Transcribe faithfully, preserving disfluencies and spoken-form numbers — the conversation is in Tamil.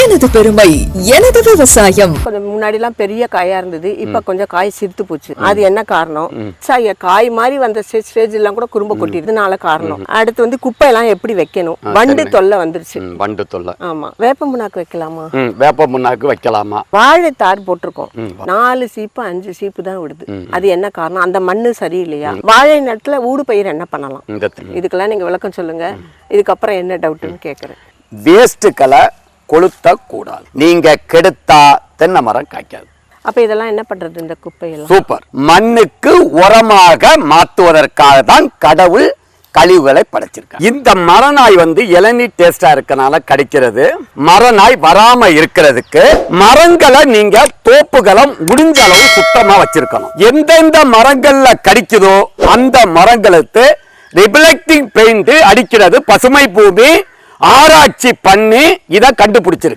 எனது பெருமை எனது விவசாயம். கொஞ்சம் முன்னாடி எல்லாம் பெரிய காயா இருந்தது, இப்ப கொஞ்சம் காய் சிரித்து போச்சு. அது என்ன காரணம்? காய் மாதிரி வந்த ஸ்டேஜ் எல்லாம் கூட குறும்ப கொட்டிடுறதுனால காரணம். அடுத்து வந்து குப்பை எல்லாம் எப்படி வைக்கணும், வண்டு தொல்லை வந்துருச்சு. வண்டு தொல்லை. ஆமா, வேப்ப முன்னாக்கு வைக்கலாமா? வேப்ப முன்னாக்கு வைக்கலாமா? வாழை தார் போட்டிருக்கோம், நாலு சீப்பு அஞ்சு சீப்பு தான் விடுது. அது என்ன காரணம்? அந்த மண்ணு சரியில்லையா? வாழை நேரத்துல ஊடு பயிர் என்ன பண்ணலாம்? இதுக்கெல்லாம் நீங்க விளக்கம் சொல்லுங்க. இதுக்கப்புறம் என்ன டவுட்னு கேக்குறேன். வேஸ்ட்டுக்களை கொளுத்த கூடாது. நீங்க கெடுத்தா தென்னை மரம் காய்க்காது. அப்ப இதெல்லாம் என்ன பண்றது? இந்த குப்பையெல்லாம் சூப்பர். மண்ணுக்கு உரமாக மாற்றுவதற்காக தான் கடவுள் கழிவுகளை படைச்சிருக்காங்க. இந்த மரநாய் வந்து இளநீர் டேஸ்டா இருக்கனால கிடைக்கிறது. மரநாய் வராம இருக்கிறதுக்கு மரங்களை நீங்க தோப்புகளை முடிஞ்ச அளவு சுத்தமா வச்சிருக்கணும். எந்தெந்த மரங்கள்ல கடிக்குதோ அந்த மரங்களுக்கு ரிஃப்ளெக்டிங் பெயிண்ட் அடிக்கிறது பசுமை பூமி ஆராய்ச்சி பண்ணி இதை கண்டுபிடிச்சிருக்கு.